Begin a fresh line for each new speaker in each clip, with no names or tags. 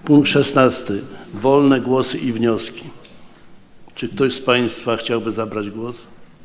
Punkt 16. Wolne głosy i wnioski. Czy ktoś z Państwa chciałby zabrać głos?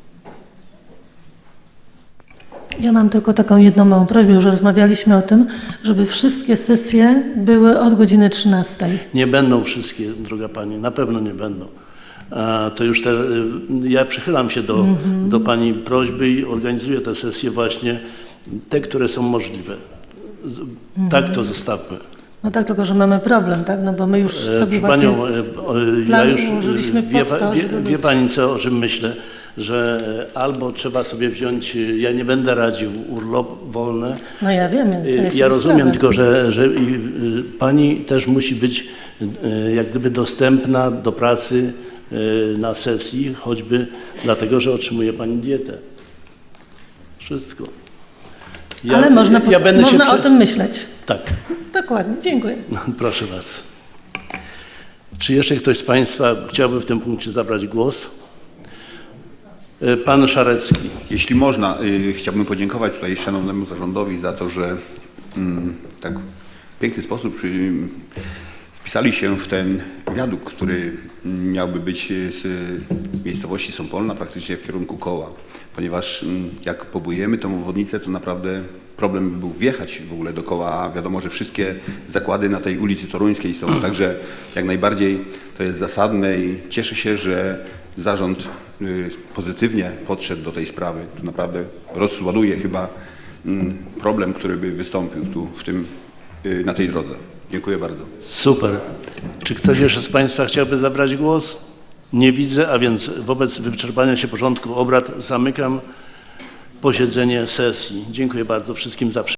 Ja mam tylko taką jedną małą prośbę, już rozmawialiśmy o tym, żeby wszystkie sesje były od godziny 13.
Nie będą wszystkie, droga Pani, na pewno nie będą. To już ja przychylam się do Pani prośby i organizuję te sesje właśnie, te, które są możliwe. Tak to zostawmy.
No tak, tylko że mamy problem, tak? No bo my już sobie właśnie
ja już
ułożyliśmy pod to, żeby
wie Pani o czym myślę, że albo trzeba sobie wziąć, ja nie będę radził, urlop wolny.
No ja wiem, więc
ja rozumiem, tylko że Pani też musi być jak gdyby dostępna do pracy na sesji, choćby dlatego, że otrzymuje Pani dietę. Wszystko.
Ale można o tym myśleć.
Tak.
Dokładnie, dziękuję.
No, proszę bardzo. Czy jeszcze ktoś z Państwa chciałby w tym punkcie zabrać głos? Pan Szarecki.
Jeśli można, chciałbym podziękować tutaj szanownemu zarządowi za to, że tak w piękny sposób wpisali się w ten wiadukt, który miałby być z miejscowości Sąpolna praktycznie w kierunku Koła, ponieważ jak pobudujemy tą obwodnicę, to naprawdę problem by był wjechać w ogóle do Koła, a wiadomo, że wszystkie zakłady na tej ulicy Toruńskiej są, także jak najbardziej to jest zasadne i cieszę się, że zarząd pozytywnie podszedł do tej sprawy. To naprawdę rozładuje chyba problem, który by wystąpił tu na tej drodze. Dziękuję bardzo.
Super. Czy ktoś jeszcze z Państwa chciałby zabrać głos? Nie widzę, a więc wobec wyczerpania się porządku obrad zamykam posiedzenie sesji. Dziękuję bardzo wszystkim za